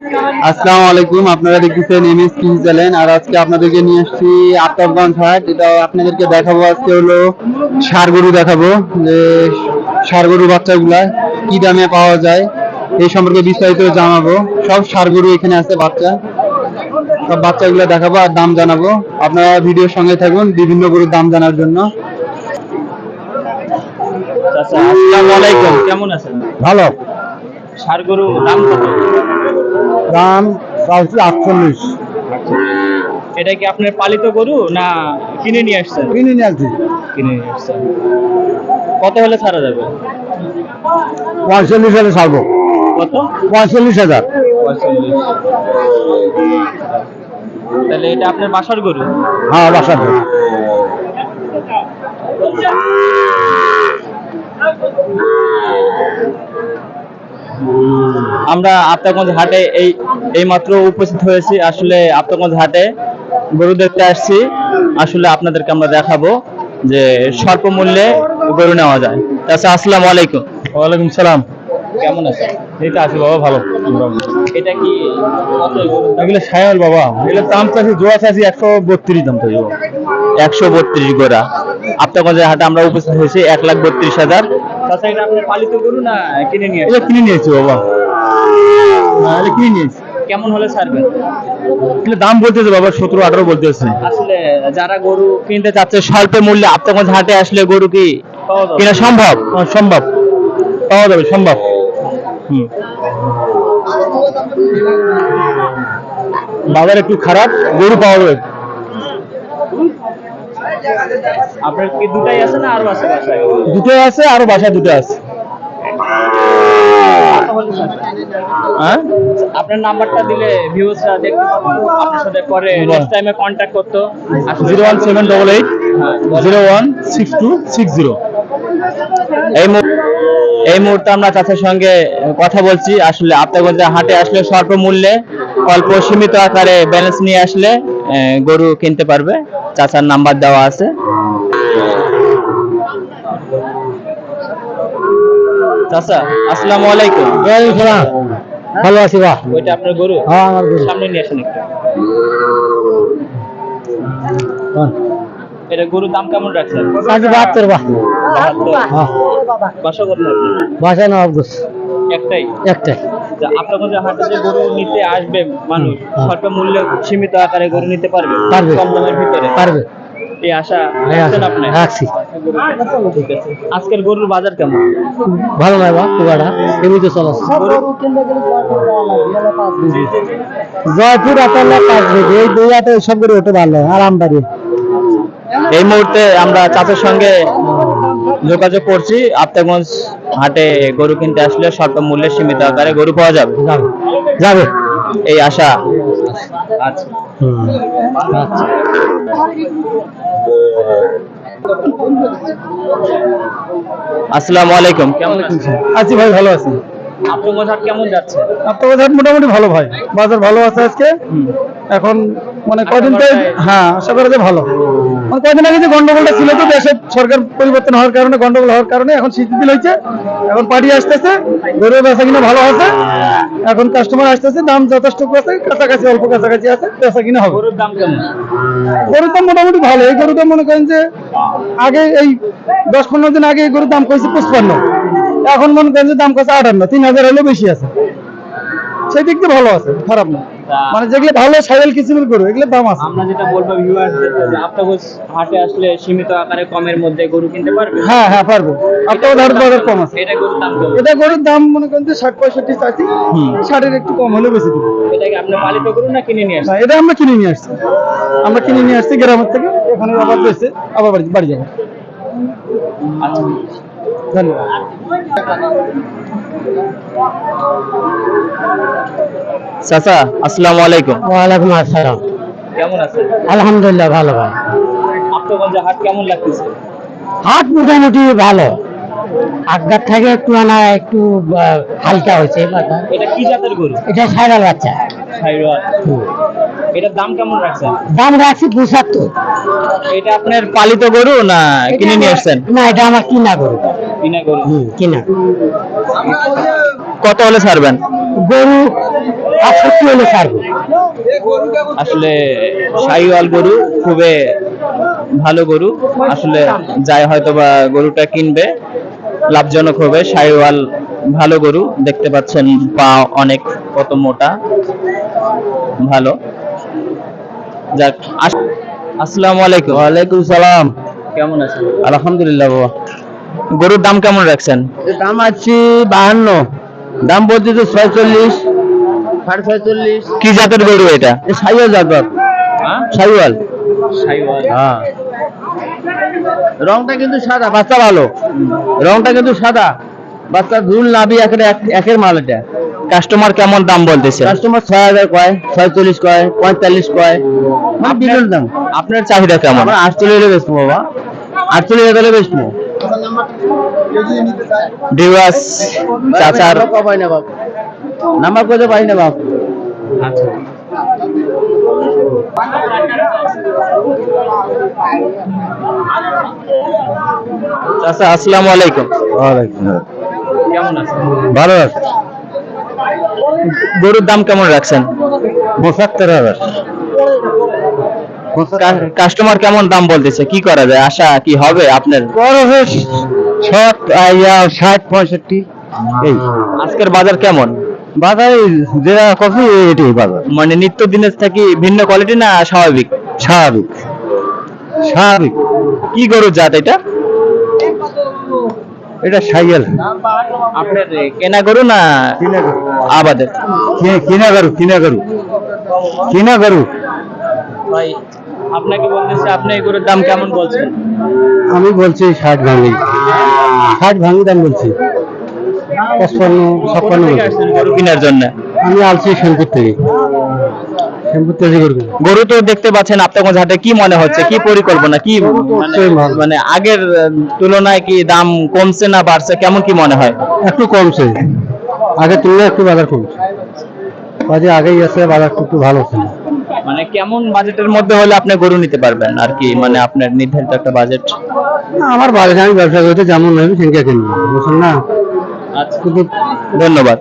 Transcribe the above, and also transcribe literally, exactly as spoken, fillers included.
আসসালামু আলাইকুম, আপনারা দেখতেছেন এমএস কিং চ্যানেল। আর আজকে আপনাদেরকে নিয়ে আসছি আফতাবগঞ্জ হাট। এটা আপনাদেরকে দেখাবো, আজকে হলো ষাঁড় গরু দেখাবো, যে ষাঁড় গরু বাচ্চাগুলা কি দামে পাওয়া যায় এই সম্পর্কে বিস্তারিত জানাবো। সব ষাঁড় গরু এখানে আছে, বাচ্চা সব বাচ্চাগুলো দেখাবো আর দাম জানাবো। আপনারা ভিডিওর সঙ্গে থাকুন বিভিন্ন গরুর দাম জানার জন্য। আচ্ছা, আসসালামু আলাইকুম, কেমন আছেন? ভালো। ষাঁড় গরু দাম কত? দাম চাইছি আটচল্লিশ। এটা কি আপনার পালিত গরু না কিনে নিয়ে আসছেন? কিনে নিয়ে আসছি। কিনে নিয়ে আসছেন। কত হলে ছাড়া যাবে? পঁয়তাল্লিশ হাজার ছাড়বো। কত? পঁয়তাল্লিশ হাজার। পঁয়তাল্লিশ। তাহলে এটা আপনার বাসার গরু? হ্যাঁ, বাসার গরু। আমরা আফতাবগঞ্জ হাটে এই এই মাত্র উপস্থিত হয়েছি। আসলে আফতাবগঞ্জ হাটে গরু দেখতে আসছি। আসলে আপনাদেরকে আমরা দেখাবো যে স্বল্প মূল্যে গরু নেওয়া যায়। আচ্ছা, আসসালামু আলাইকুম। ওয়ালাইকুম সালাম। কেমন আছেন? এইটা আছে বাবা, ভালো। এটা কি কত গরু? এগুলো সায়াল বাবা, এগুলো দাম চাষি জোড়া চাষি একশো বত্রিশ দাম চাই। একশো বত্রিশ গোড়া। আফতাবগঞ্জের হাটে আমরা উপস্থিত হয়েছি এক লাখ বত্রিশ হাজার। তাছাড়া এটা আপনার পালিত গরু না কিনে নিয়ে? এটা কিনে নিয়েছি বাবা, এটা কিনে নিয়েছি। কেমন হলে ছাড়বেন? এগুলো দাম বলতেছে বাবা সতেরো আঠারো বলতেছে। আসলে যারা গরু কিনতে চাচ্ছে স্বল্প মূল্যে আফতাবগঞ্জ হাটে আসলে গরু কি কিনা সম্ভব? সম্ভব, পাওয়া যাবে, সম্ভব। হুম, বাজার একটু খারাপ, গরু পাওয়া যাবে। আপনার কি দুটাই আছে না আরো আছে বাসায়? দুটো আছে, আরো বাসায় দুটো আছে। হ্যাঁ, আপনার নাম্বারটা দিলে ভিউজরা দেখতে পাবো, আপনার সাথে পরে নেক্সট টাইমে কন্ট্যাক্ট করতে। Zero one seven double eight zero one six two six zero. এই এই মুহূর্তে আমরা চাচার সঙ্গে কথা বলছি। আসলে আফতাবগঞ্জের হাটে আসলে স্বল্প মূল্যে অল্প সীমিত আকারে ব্যালেন্স নিয়ে আসলে গরু কিনতে পারবে। চাচার নাম্বার দেওয়া আছে। চাচা, আসসালামু আলাইকুম। ভালো আছি বা? ওইটা আপনার গরু? হ্যাঁ, আমার গরু। সামনে নিয়ে আসেন একটু। এটা গরুর দাম কেমন রাখছেন? বাহাত্তর বা। বাসা করতে বাসায় না অবগত একটাই একটাই। আপনাদের হাটে যে গরু নিতে আসবে মানুষ, স্বল্প মূল্যে সীমিত আকারে গরু নিতে পারবে, পারবে, কম দামের ভিতরে পারবে। এই আশা রাখছেন আপনি? রাখছি। ঠিক আছে। আজকের গরুর বাজার কেমন? ভালো নয় বা, খুব একটা এমনিতে চলাচ্ছে। জয়পুর আটালে পাঁচ বেজে, এই দুই হাটে সব করে ওঠে ভালো, আরামদারি। এই মুহূর্তে আমরা চাচার সঙ্গে যোগাযোগ করছি। আফতাবগঞ্জ হাটে গরু কিনতে আসলে স্বল্প মূল্যে সীমিত আকারে গরু পাওয়া যাবে যাবে এই আশা। আচ্ছা, আসসালামু আলাইকুম। কেমন আছেন? আছি ভাই, ভালো আছি। আফতাবগঞ্জ হাট কেমন যাচ্ছে? আফতাবগঞ্জ হাট মোটামুটি ভালো ভাই, বাজার ভালো আছে আজকে। এখন মানে কদিন তো, হ্যাঁ আশা করা যায় ভালো। মানে কদিন আগে যে গন্ডগোলটা ছিল, তো দেশের সরকার পরিবর্তন হওয়ার কারণে, গন্ডগোল হওয়ার কারণে এখন শিথিল হয়েছে। এখন পার্টি আসতেছে, গরুর বেচা কিনা ভালো আছে। এখন কাস্টমার আসতেছে, দাম যথেষ্ট আছে, কাছাকাছি অল্প কাছাকাছি আছে, বেচা কিনা হবে। গরুর দাম কেমন? গরুর দাম মোটামুটি ভালো। এই গরুটা মনে করেন যে আগে এই দশ পনেরো দিন আগে এই গরুর দাম কইছে পঁচপান্ন, এখন মনে করেন যে দাম কইছে আটান্ন, তিন হাজার হলেও বেশি আছে। সেই দিক দিয়ে ভালো আছে, খারাপ না। মানে যেগুলো ভালো সাইকেল কিসিমের গরু, এগুলো দাম আছে। আমরা যেটা বলবো ভিউয়ারদের, যে আফতাবগঞ্জ হাটে আসলে সীমিত আকারে কমের মধ্যে গরু কিনতে পারবে। হ্যাঁ হ্যাঁ পারবো। আপনার ধার বাজার কম আছে। এটা গরুর দাম কেমন? এটা গরুর দাম মনে করেন যে ষাট পঁয়ষট্টি চাচ্ছি, ষাটের একটু কম হলে বেশি দেবো। এটা কি আপনি পালিত গরু না কিনে নিয়ে আসছেন? এটা আমরা কিনে নিয়ে আসছি, আমরা কিনে নিয়ে আসছি গ্রামের থেকে। এখানে আবার বেশি, আবার বাড়ি বাড়ি যাবো। আচ্ছা, ধন্যবাদ। চাচা, আসসালামু আলাইকুম। ওয়ালাইকুম আসসালাম। কেমন আছেন? আলহামদুলিল্লাহ ভালো ভাই। আফতাবগঞ্জ হাট কেমন লাগতেছে? হাট মোটামুটি ভালো, আগের থেকে একটু আনা একটু হালকা হয়েছে। এটা কি জাতের গরু? এটা সাইরাল বাচ্চা। সাইরাল। এটার দাম কেমন রাখছেন? দাম রাখছি পঁচাত্তর। এটা আপনার পালিত গরু না কিনে নিয়ে আসছেন? না, এটা আমার কিনা গরু। কিনা গরু? কিনা। কত হলে ছাড়বেন? গরু আটষট্টি হলে ছাড়বো। আসলে শাহিওয়াল গরু খুবই ভালো গরু, আসলে যাই হয়তো বা গরুটা কিনবে লাভজনক হবে। শাহিওয়াল ভালো গরু, দেখতে পাচ্ছেন পা অনেক কত মোটা, ভালো। যাক, আস- আসসালামু আলাইকুম। ওয়ালাইকুম সালাম। কেমন আছেন? আলহামদুলিল্লাহ বাবা। গরুর দাম কেমন রাখছেন? দাম আছে বাহান্ন, দাম বলছে তো ছয়চল্লিশ, সাড়ে ছয়চল্লিশ। কি জাতের গরু এটা? সাইওয়াল জাতক, সাইওয়াল। শাহিওয়াল। হ্যাঁ, রংটা কিন্তু সাদা, বাচ্চা ভালো, রংটা কিন্তু সাদা, বাচ্চা ঝুল নাভি একের এক- একের মাল এটা। কাস্টমার কেমন দাম বলতেছে? কাস্টমার ছয় হাজার কয়, ছয়চল্লিশ কয়, পঁয়তাল্লিশ কয়, মানে বিভিন্ন দাম। আপনার চাহিদা কেমন? আমরা আটচল্লিশ হলে বেচবো বাবা, আটচল্লিশ হাজারে বেচবো। ডিওয়াস চাচার পাই না বাপ, নাম্বার করতে পারি না বাপ। চাচা, আসসালামু আলাইকুম। কেমন আছেন? ভালো আছে। গরুর দাম কেমন রাখছেন? পঁচাত্তর হাজার। কা- কাস্টমার কেমন দাম বলতেছে? কি করা যায়, আশা কি হবে আপনার? ষাট, আইয়া ষাট পঁয়ষট্টি এই আজকের বাজার কেমন? বাজারে যেটা কফি এটাই বাজার। মানে নিত্য দিনের থেকে ভিন্ন কোয়ালিটি না স্বাভাবিক? স্বাভাবিক, স্বাভাবিক। কি গরুর জাত এটা? এটা সাইকেল। আপনার কেনা গরু না কিনা গরু, আবাদের? কি- কিনা গরু, কিনা গরু, কিনা গরু। ভাই, আপনাকে বলতেছে, আপনি এই গরুর দাম কেমন বলছেন? আমি বলছি ষাট ভাঙি, ষাট ভাঙি দাম বলছি, পঁচপান্ন ছাপ্পান্ন কোথা থেকে বলছি। আসছেন গরু কেনার জন্য? আমি আলছি শ্যামপুর থেকে, শ্যামপুর থেকে গরু কিনি। গরু তো দেখতে পাচ্ছেন আপনার হাটে, কি মনে হচ্ছে, কি পরিকল্পনা, কি গরু তো মানে- হচ্ছেই ভালো। মানে আগের আহ, তুলনায় কি দাম কমছে না বাড়ছে, কেমন কি মনে হয়? একটু কমছে, আগের তুলনায় একটু বাজার কমছে, বাজে আগেই আছে, বাজার একটু ভালো ছিল। মানে কেমন বাজেটের মধ্যে হলে আপনি গরু নিতে পারবেন আর কি, মানে আপনার নির্ধারিত একটা বাজেট? আমার বাজারে আমি ব্যবসা করতে যেমন নেবে সেটা কিনবো, বুঝছেন না? আচ্ছা, কিন্তু ধন্যবাদ।